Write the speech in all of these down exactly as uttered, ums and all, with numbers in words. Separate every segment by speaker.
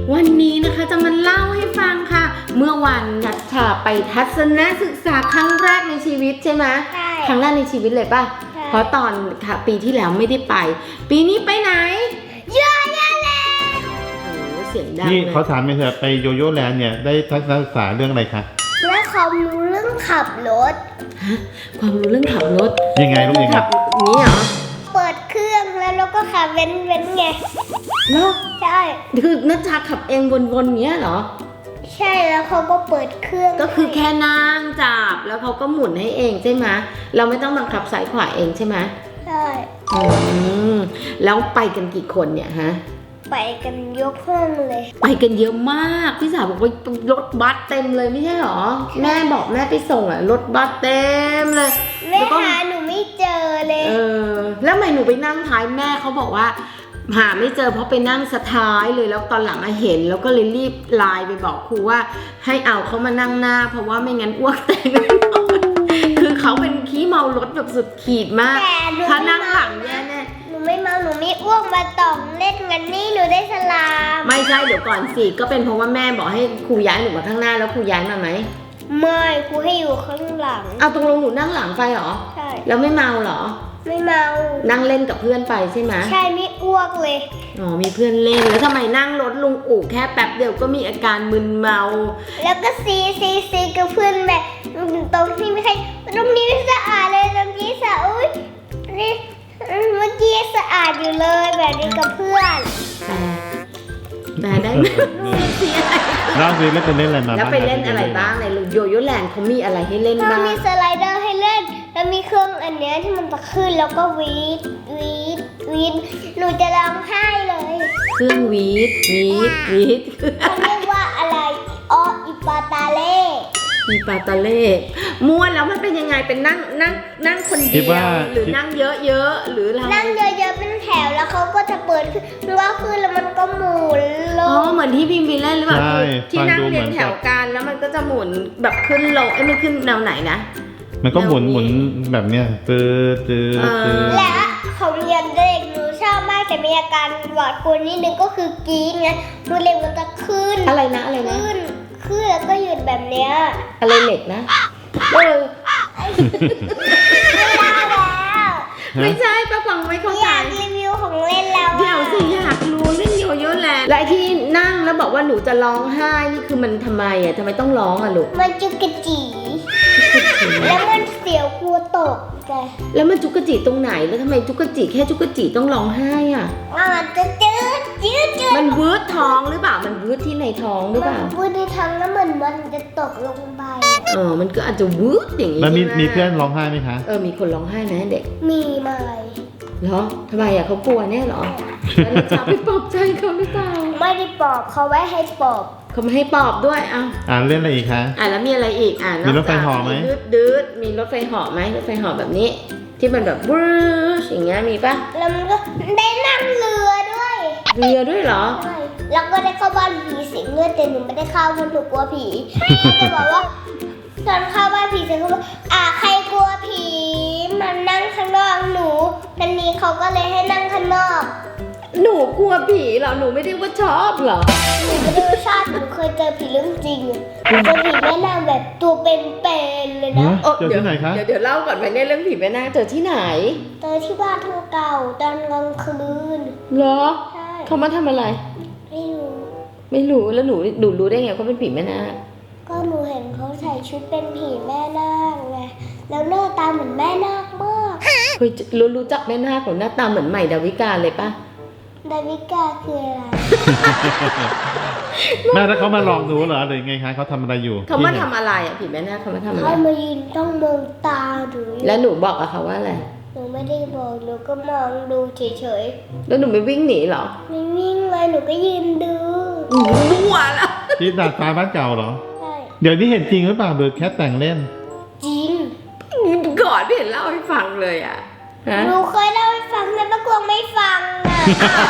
Speaker 1: วันนี้นะคะจะมาเล่าให้ฟังค่ะเมื่อวันนัชชาไปทัศนศึกษาครั้งแรกในชีวิตใช่ไหมใช่ครั้งแรกในชีวิตเลยป่ะเพราะตอนค่ะปีที่แล้วไม่ได้ไปปีนี้ไปไหนโยโย่แลนด์โอ้เสียงดังนี่
Speaker 2: เขาถามไปเถอะไปโยโย่แลนด์เนี่ยได้ทัศนศึกษาเรื่องอะไรคะ
Speaker 3: และความรู้เรื่องขับรถ
Speaker 1: ฮะความรู้เรื่องขับรถ
Speaker 2: ยังไงลูกยังไง
Speaker 1: นี่เหรอ
Speaker 3: เปิดเครื่องแล้วเราก็ขับเว้นเว้นไง
Speaker 1: เนาะ
Speaker 3: ใช่
Speaker 1: คือนัชชาขับเองวนๆเงี้ยเหรอ
Speaker 3: ใช่แล้วเขาก็เปิดเครื่อง
Speaker 1: ก็คือแค่นั่งจับแล้วเขาก็หมุนให้เองใช่ไหมเราไม่ต้องบังคับซ้ายขวาเองใช่ไหม
Speaker 3: ใช่
Speaker 1: อืมแล้วไปกันกี่คนเนี่ยฮะ
Speaker 3: ไปกันยกห้องเลย
Speaker 1: ไปกันเยอะมากพี่สาวบอกว่ารถบัสเต็มเลยไม่ใช่หรอแม่บอกแม่ไปส่งอ่ะรถบัสเต็มเลย
Speaker 3: แม่หาหนูไม่เจอเลย
Speaker 1: เออแล้วทำไมหนูไปนั่งท้ายแม่เขาบอกว่าหาไม่เจอเพราะไปนั่งสท้ายเลยแล้วตอนหลังมาเห็นแล้วก็เลยรีบไลน์ไปบอกครูว่าให้เอาเขามานั่งหน้าเพราะว่าไม่งั้นอ้วกแตกคือเขาเป็นขี้เมารถแบบสุดขีดมากถ้านั่งหลังแย่แน่
Speaker 3: หนูไม่เมาหนูไม่อ้วกมาต่องเล่นกันนี่หนูได้สลาม
Speaker 1: ไม่ใช่เดี๋ยวก่อนสิก็เป็นเพราะว่าแม่บอกให้ครูย้ายหนูมาข้างหน้าแล้วครูย้ายมาไหม
Speaker 3: ไม่ครูให้อยู่ข้างหลัง
Speaker 1: เอาตรงลงหนูนั่งหลังไปเหรอ
Speaker 3: ใช่
Speaker 1: แล้วไม่เมาเหรอ
Speaker 3: ไม่เมา
Speaker 1: นั่งเล่นกับเพื่อนไปใช่ไหม
Speaker 3: ใช่ไม่อ้วกเลย
Speaker 1: อ๋อมีเพื่อนเล่นแล้วทำไมนั่งรถลุงอู่แค่แป๊บเดียวก็มีอาการมึนเมา
Speaker 3: แล้วก็ซีซีซีกับเพื่อนแบบตรงที่ไม่ใช่ตรงนี้ไม่สะอาดเลยตรงนี้สะอุ้ยนี่เมื่อกี้สะอาดอยู่เลยแบบนี้กับเพื่อน
Speaker 1: แต่ได้ไหมซีอะไร
Speaker 2: ล่าสุดเล่นไปเล่นอะไรมา
Speaker 1: แล้วไปเล่นอะไรบ้างในโยโย่แลนด์เขามีอะไรให้เล่นบ้าง
Speaker 3: มีสไลเดอร์ให้เล่นแล้วมีเครื่องอันเนี้ยที่มันจะขึ้นแล้วก็วีดวีดวีดหนูจะร้องไห้เลย
Speaker 1: เครื่องวีดวีดวีด
Speaker 3: เขาเรียกว่าอะไรอ๋ออิปาตาเล่
Speaker 1: อีปาตาเล่ม้วนแล้วมันเป็นยังไงเป็นนั่งนั่งนั่งคนเดียวหรือนั่งเยอะๆหรืออะไร
Speaker 3: นั่งเยอะๆเป็นแถวแล้วเขาก็จะเปิดขึ้นมันก็ขึ้นแล้วมันก็หมุนลง
Speaker 1: อ๋อเหมือนที่พิมพ์วิลเล่นหรือเปล่าที่นั่งเรียงแถวกันแล้วมันก็จะหมุนแบบขึ้นลงไอ้มันขึ้นแนวไหนนะ
Speaker 2: มันก็หมุนหมุนแบบเนี้ยตื้อตื้อตื้อ
Speaker 3: และของเรียนเด็กหนูชอบมากแต่มีอาการหวาดกลัวนิดนึงก็คือกรี๊ดไงมือเล็กมันจะขึ้น
Speaker 1: อะไรนะอะไรนะ
Speaker 3: ขึ้นขึ้นแล้วก็หยุดแบบเนี้ย
Speaker 1: อะไรเหล็กนะเออไม่ใช่ป้าฟังไม่เข้าใจ
Speaker 3: อยากรีวิวของเล่นแล้ว
Speaker 1: เดี๋ยวสิอยากรู้เล่นโยโย่แลนด์และที่นั่งแล้วบอกว่าหนูจะร้องไห้นี่คือมันทำไมอ่ะทำไมต้องร้องอ่ะลูก
Speaker 3: มันจุกกะจีแล้วมันเสียวกลัวตกแก
Speaker 1: แล้วมันจุกกะจีตรงไหนแล้วทำไมจุกกะจีแค่จุกกะจีต้องร้องไห้อ่ะ
Speaker 3: มันจะจืดจืดจืด
Speaker 1: มันวืดท้องหรือเปล่ามันวืดที่ในท้องหรือเปล่า
Speaker 3: มันวืดในท้องแล้วเหมือนมันจะตกลงไป
Speaker 1: เออมันก็อาจจะวืดอย่างนี้
Speaker 2: แล้วมีมีเพื่อนร้องไห้ไหมคะ
Speaker 1: เออมีคนร้องไห้ไหมเด็ก
Speaker 3: มีไหม
Speaker 1: เหรอทำไมอ่ะเขากลัวเนี่ยเหรอแล้วเราจะไปปลอบใจเขาหรือเปล่า
Speaker 3: ไม่ได้ปลอบเขาไว้ให้ปลอบ
Speaker 1: เขาไม่ให้ปลอบด้วยอ่ะ
Speaker 2: อ่านเล่นอะไรอีกคะ
Speaker 1: อ่ะแล้วมีอะไรอีกอ่ะ
Speaker 2: มีรถไฟเหาะไหม
Speaker 1: ดืดดืดมีรถไฟเหาะไหมรถไฟเหาะแบบนี้ที่มันแบบบรูชอย่างเงี้ยมีปะ
Speaker 3: แล้วมันก็ได้นั่งเรือด้วย
Speaker 1: เรือด้วยเหรอ
Speaker 3: ใช่แล้วก็ได้เข้าบ้านผีสิงเงื่อนแต่หนูไม่ได้เข้าเพราะหนูกลัวผีจะบอกว่าตอนเข้าบ้านผีสิงเขาบอกอ่ะใครกลัวผีมันนั่งข้างนอกหนูนันนี้เขาก็เลยให้นั่งข้างนอก
Speaker 1: หนูกลัวผีเหรอหนูไม่ได้ว่าชอบเหรอ
Speaker 3: หนูไม่ได้ว่าชอบหนูเคยเจอผีเรื่องจริงหนูเจอผีแม่นางแบบตัวเป็นๆเลยนะ
Speaker 2: เจอที่ไหนคะ
Speaker 1: เดี๋ยวเดี๋ยวเล่าก่อนไปเนี่ยเรื่องผีแม่นางเจอที่ไหน
Speaker 3: เจอที่บ้านทางเก่าตอนกลางคืน
Speaker 1: เหรอ
Speaker 3: ใช่
Speaker 1: เขามาทำอะไร
Speaker 3: ไม่รู้
Speaker 1: ไม่รู้แล้วหนูหนูรู้ได้ไงเขาเป็นผีแม่นาง
Speaker 3: ก็หนูเห็นเขาใส่ชุดเป็นผีแม่นาคไงแล้วหน้าตาเหมือนแม่นาคมาก
Speaker 1: เคยรู้รู้จักแม่นาคของหน้าตาเหมือนใหม่ดาวิกาเลยปะ
Speaker 3: ดาวิกาคืออะไร
Speaker 2: แม่ถ้าเขามาลองดูเหรอหรือไงคะเขาทำอะไรอยู่
Speaker 1: เขามาทำอะไรอ่ะผีแม่นาคเขามาทำอะไร
Speaker 3: เขามายืนต้องมองตาดู
Speaker 1: แล้วหนูบอกกับเขาว่าอะไร
Speaker 3: หนูไม่ได้บอกหนูก็มองดูเฉย
Speaker 1: ๆแล้วหนูไม่วิ่งหนีเหรอ
Speaker 3: ไม่วิ่งเลยหนูก็ยืนดู
Speaker 1: มั่วแล้ว
Speaker 2: ที่ดาดฟ้าบ้านเก่าเหรอ
Speaker 3: ใช่
Speaker 2: เดี๋ยวนี้เห็นจริงหรือเปล่าเบิร์ดแคทแต่งเล่น
Speaker 3: จริง
Speaker 1: ก่อนไม่เห็นเล่าให้ฟังเลยอ่ะ
Speaker 3: หนูเคยเล่าให้ฟังแต่ป้ากวางไม่ฟังอ่ะ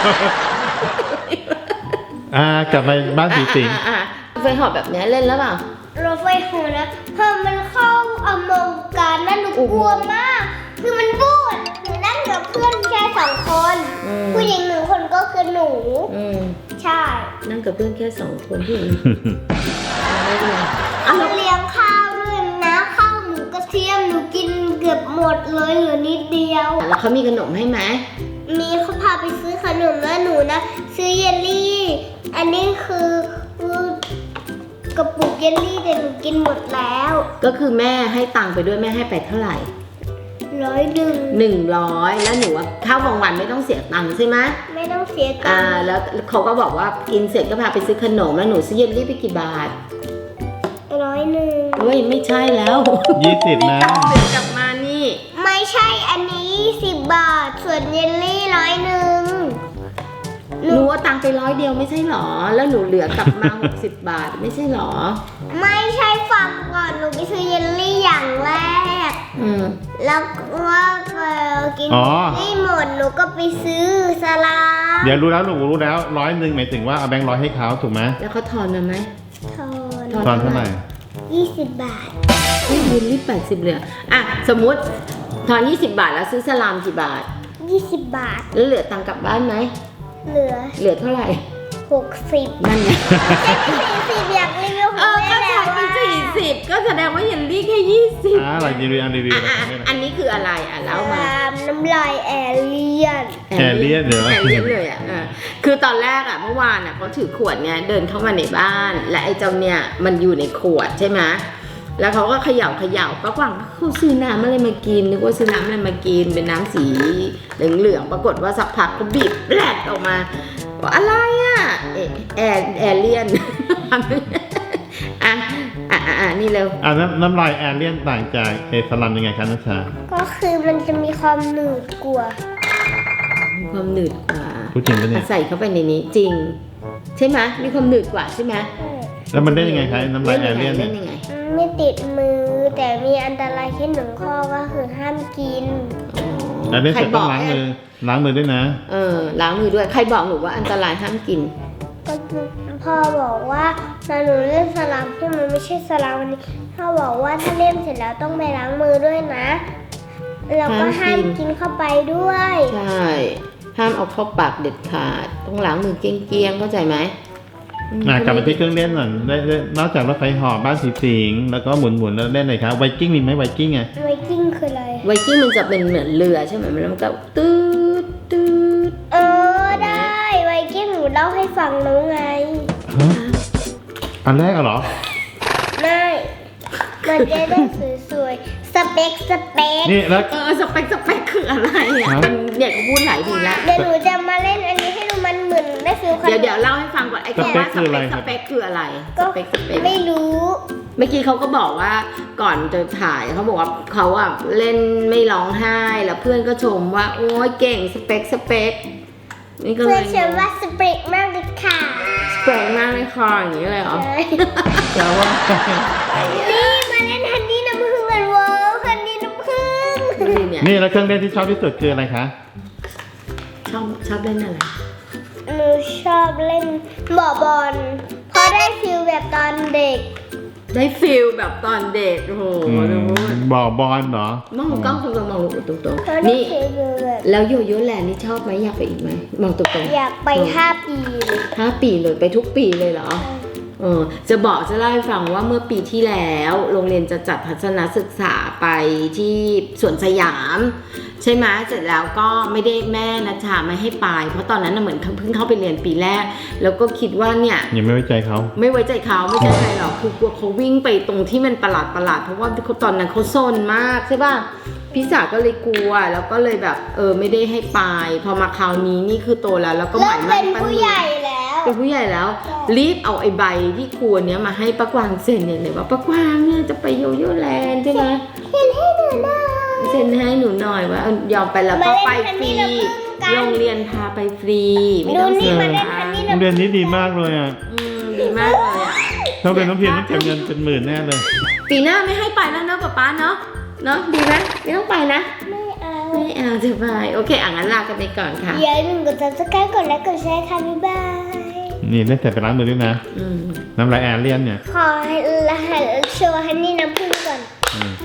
Speaker 2: อ่ากลับมาบ้านผีสิง
Speaker 1: รถไฟเหาะแบบนี้เล่นแล้วเปล่
Speaker 3: ารถไฟเหาะนะพอมันเข้าอเมริกานั่นหนูกลัวมากคือมันบูดหนูนั่งกับเพื่อนแค่สองคนผู้หญิงหนึ่งคนก็คือหนูหนู
Speaker 1: อืม
Speaker 3: ใช่
Speaker 1: นั่งกับเพื่อนแค่สองคนที่อื่นไม่เป็นไร
Speaker 3: เอาเลี้ยงข้าวด้วยนะข้าวหมูกระเทียมหนูกินเกือบหมดเลยเหลือนิดเดียว
Speaker 1: แล้วเขามีขนมให้ไหม
Speaker 3: มีเขาพาไปซื้อขนมแล้วหนูนะซื้อเยลลี่ อันนี้คือกระปุกเยลลี่แต่หนูกินหมดแล้ว
Speaker 1: ก็คือแม่ให้ตังค์ไปด้วยแม่ให้ไปเท่าไหร่
Speaker 3: ร้อยหนึ่ง
Speaker 1: หนึ่งร้อยแล้วหนูว่าข้าวกลางวันไม่ต้องเสียตังค์ใช่ไหม
Speaker 3: ไม่ต้องเสียตั
Speaker 1: อ่าง
Speaker 3: ค์
Speaker 1: แล้วเขาก็บอกว่ากินเสร็จก็พาไปซื้อขนมแล้วหนูซื้อเยลลี่ไปกี่บาท
Speaker 3: ร้อยหนึ่ง
Speaker 1: เฮ้ยไม่ใช่แล้ว
Speaker 2: ยี่สิบนะ
Speaker 1: เดินกลับมานี่
Speaker 3: ไม่ใช่อันนี้สิบบาทส่วนเยลลี่ร้อยหนึ่ง
Speaker 1: หนูเอาตังค์ไปร้อยเดียวไม่ใช่หรอ แล้วหนูเหลือกลับมา หกสิบบาทไม่ใช่หรอ
Speaker 3: ไม่ใช่ฟังก่อนหนูไปซื้อเยลลี่อย่างแรก
Speaker 1: อืม
Speaker 3: แล้วว่าพอกิน
Speaker 2: อ๋อ
Speaker 3: นี่หมดหนูก็ไปซื้อสลาม
Speaker 2: เดี๋ยวรู้แล้วหนูรู้แล้วร้อยหนึ่งหมายถึงว่าเอาแบงค์ร้อยให้เขาถูกไหม
Speaker 1: แล้วเขาทอนมาไหม
Speaker 3: ทอน
Speaker 2: ตอนเท่าไหร่
Speaker 3: ยี่สิบบาท
Speaker 1: เฮ้ยเยลลี่แปดสิบเหลืออ่ะสมมุติทอนยี่สิบบาทแล้วซื้อสลามกี่บาท
Speaker 3: ยี่สิบบาท
Speaker 1: แล้วเหลือตังค์กลับบ้านไหม
Speaker 3: เหลือ
Speaker 1: เหลือเท่าไหร่
Speaker 3: หกสิบ
Speaker 1: นั่นไง
Speaker 3: สี่สิบอยากรีวิวข
Speaker 1: เอ
Speaker 3: อง
Speaker 1: อ
Speaker 3: แม่
Speaker 1: ก็
Speaker 3: แล้
Speaker 1: ใช้
Speaker 3: ว
Speaker 1: ไป
Speaker 3: ว่า
Speaker 1: สี่สิบก็แสดงว่าเยลลี่แค่ยี่สิบ
Speaker 2: อ่าอะไรรีวิวอันรีวิว
Speaker 1: อ่ะ
Speaker 2: อะไร
Speaker 1: อ่ะอันนี้คืออะไรอ่ะ
Speaker 3: ส
Speaker 1: เล่ามา
Speaker 3: ลามน้ำลายแอเลียน
Speaker 2: แอร์เลียนเหรอ
Speaker 1: แอร์เลียนเลยอ่ะอ่ะคือตอนแรกอ่ะเมื่อวานอ่ะเขาถือขวดเนี่ยเดินเข้ามาในบ้าน และไอ้เจ้าเนี่ยมันอยู่ในขวดใช่ไหมแล้วเขาก็เขย่าเขย่าป้ากวางเขาซื้อน้ำอะไรมากินนึกว่าซื้อน้ำอะไรมากินเป็นน้ำสีเหลืองๆปรากฏว่าสักพักก็บีบแปลดออกมาว่าอะไรอ่ะเอแอร์แอร์เลียน อ่ะอ่ะอ่ะอ่ะนี่เร็ว
Speaker 2: อ่าน้ำน้ำลายแอร์เลียนต่างจากเอสลัมยังไงคะนัชชา
Speaker 3: ก็คือมันจะมีความหนืดกว่า
Speaker 1: มีความหนืดกว่า
Speaker 2: พูดจริงปะเนี่ย
Speaker 1: ใส่เข้าไปในนี้จริง ใช่ไหมมีความหนืดกว่าใช่ไหม
Speaker 2: แล้วมันได้ยังไงคะน้ำลายแอร์เลียน
Speaker 1: เล่
Speaker 2: เนี่ย
Speaker 1: นยังไง
Speaker 3: ไม่ติดมือแต่มีอันตรายแค่หนึ่งข้อก็คือห้ามกิน
Speaker 1: อ๋อ
Speaker 2: แล้วเล่นเสร็จต้อง
Speaker 1: ใค
Speaker 2: ล้าง
Speaker 1: ให้
Speaker 2: มือล้างมือด้วยนะ
Speaker 1: เออล้างมือด้วยใครบอกหนูว่าอันตรายห้ามกิน
Speaker 3: ก็พ่อบอกว่าตอนหนูเล่นสลามที่มันไม่ใช่สลามวันนี้พ่อบอกว่าถ้าเล่นเสร็จแล้วต้องไปล้างมือด้วยนะแล้วก็ห้า
Speaker 1: ห้าม มกิน
Speaker 3: กินเข้าไปด้วย
Speaker 1: ใช่ห้ามเอาเข้าปากเด็ดขาดต้องล้างมือเกลี้ยงๆเข้าใจไหมอืม
Speaker 2: อ่ะกลับมาที่เครื่องเล่นหน่อยได้ได้นอกจากรถไฟเหอบบ้านสีสิงแล้วก็หมุนหมุนๆแล้วเล่นอะไรครับไวกิ้งมีไหมไวกิ้งไง
Speaker 3: ไวกิ้งคืออะไร
Speaker 1: ไวกิ้งมันจะเป็นเหมือนเรือใช่ไหมแล้วมันก็ตืดตืด
Speaker 3: เออได้ไวกิ้งหนูเล่าให้ฟังแล้วไง
Speaker 2: ฮะอันแรกอะเหรอ
Speaker 3: ไม่มันจะได้สวยๆสเปคสเปค
Speaker 2: นี่แล้ว
Speaker 1: เออสเปคสเปคคืออะไรอ่ะ
Speaker 2: ฮะ
Speaker 1: มันเนี่ยก็พูดหลายทีแล้ว
Speaker 3: เดี๋ยวหนูจะมาเล่นอันนี้ให้ดูมันเหมือนได้ฟิลขนม
Speaker 1: เดี๋ยวเดี๋ยวเล่าให้ฟังก่อนไอ้คำว่าสเปคสเปคคืออะไรส
Speaker 3: ก็
Speaker 1: เปคสเปค
Speaker 3: ไม่รู้
Speaker 1: เมื่อกี้เขาก็บอกว่าก่อนจะถ่ายเขาบอกว่าเขาอะเล่นไม่ร้องไห้แล้วเพื่อนก็ชมว่าโอ้ยเก่งสเปคสเปคนี่ก็เล
Speaker 3: เพื่อย นฉันว่าสเปคมากเลยค่ะ
Speaker 1: สเปคมากเลยค่ะอย่างนี้เลยเหรอ
Speaker 3: ใช่
Speaker 2: แต่ว่า
Speaker 3: นี่มาเล่นฮันนี่น้ำผึ้งกันเวิร์ฮันนี่น้ำผึ้ง
Speaker 1: นี่เนี่ย
Speaker 2: นี่แล้วเครื่องเล่นที่ชอบที่สุดคืออะไรคะ
Speaker 1: ชอบชอบเล่นอะไร
Speaker 3: หนูชอบเล่นหมอบอลเพราะได้ฟิลแบบตอนเด็ก
Speaker 1: ได้ฟิลแบบตอนเด็กโอ้โห
Speaker 2: อืม
Speaker 1: ดู
Speaker 2: บ่อบอลเหรอ
Speaker 1: มองกล้องตรงๆมองลูกตรง
Speaker 3: เพราะ
Speaker 1: ๆ
Speaker 3: ได้
Speaker 1: นี่
Speaker 3: ฟิลแบบ
Speaker 1: แล้วโยโย่แลนด์นี่ชอบไหมอยากไปอีกไหมมองตรงๆ
Speaker 3: อยากไปห้าปีเลย
Speaker 1: ห้าปีเลยไปทุกปีเลยเหรอ เออจะบอกจะเล่าให้ฟังว่าเมื่อปีที่แล้วโรงเรียนจะจัดทัศนศึกษาไปที่สวนสยาม ใช่ไหมเสร็จแล้วก็ไม่ได้แม่นัชชาไม่ให้ไปเพราะตอนนั้นน่ะเหมือนเพิ่งเข้าไปเรียนปีแรก แล้วก็คิดว่าเนี่ย
Speaker 2: ยังไม่ไว้ใจเขา
Speaker 1: ไม่ไว้ใจเขาไม่ใช่อะไรหรอกคือกลัวเขาวิ่งไปตรงที่มันประหลาดประหลาดเพราะว่าเขาตอนนั้นเขาซนมากใช่ป่ะพี่สาวก็เลยกลัวแล้วก็เลยแบบเออไม่ได้ให้ไปพอมาคราวนี้นี่คือโตแล้วแล้วก็ห
Speaker 3: เริ่
Speaker 1: มาม ย
Speaker 3: เป็
Speaker 1: มั่น
Speaker 3: น
Speaker 1: ปั้น
Speaker 3: ผู้
Speaker 1: มือ
Speaker 3: ใหญ่แล้ว
Speaker 1: เป็นผู้ใหญ่แล้ว รีบเอาไอ้ใบที่ครัวเนี้ยมาให้ป้ากวางเซ็นเนี่ยเลยว่าป้ากวางเนี่ยจะไปโยโย่แลนด์ใช่ไหม
Speaker 3: เห็นให้หนูหน่อย
Speaker 1: เซ็นให้หนูหน่อยว่าเอายอมไปแล้วก็ไปฟรี
Speaker 3: มาเล่นฮันนี่น้ำผึ้งกัน
Speaker 1: โรงเรียนพาไปฟรีไม่ต้อง
Speaker 3: ดูนี่
Speaker 1: เสีย
Speaker 3: มาเล่น
Speaker 1: ตั
Speaker 3: ฮัน
Speaker 1: ง
Speaker 3: นี่
Speaker 1: ค์
Speaker 2: โรงเรียนนี้ดีมากเลยอ่ะ
Speaker 1: อืมดีมากเลยอ่ะ
Speaker 2: ถ้าเป็นน้องเพียรต้องเก็บเงินเป็นหมื่นแน่เลย
Speaker 1: ปีหน้าไม่ให้ไปแล้วเนาะป๊าป๊าเนาะเนาะดีไหมไม่ต้องไปนะ
Speaker 3: ไม่เอา
Speaker 1: ไม่เอาจะไปโอเคอ่ะงั้นลากันไปก่อนค่ะ
Speaker 3: อย่าลืมกด ซับสไครบ์ กดไลค์กดแชร์ค่ะบ๊ายบาย
Speaker 2: นี่เล่นเสร็จไปล้างมือด้วยนะ
Speaker 1: อืม
Speaker 2: น้ำลายแอร์เลียนเนี่ย
Speaker 3: ขอให้โชว์ฮันนี่น้ำผึ้งก่อน
Speaker 2: อืม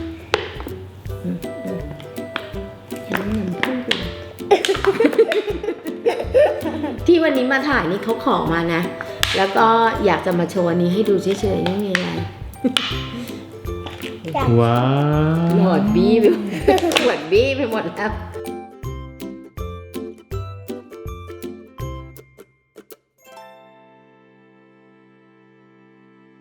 Speaker 1: เห็นน้ำพึ่งอยู่ที่วันนี้มาถ่ายนี่เขาขอมานะ แล้วก็อยากจะมาโชว์อันนี้ให้ดูเฉยๆไม่มีอะไร
Speaker 2: ว้า
Speaker 1: หม
Speaker 2: ว
Speaker 1: ดบี้ไปหมดหมดบี้ไปหมดแล้ว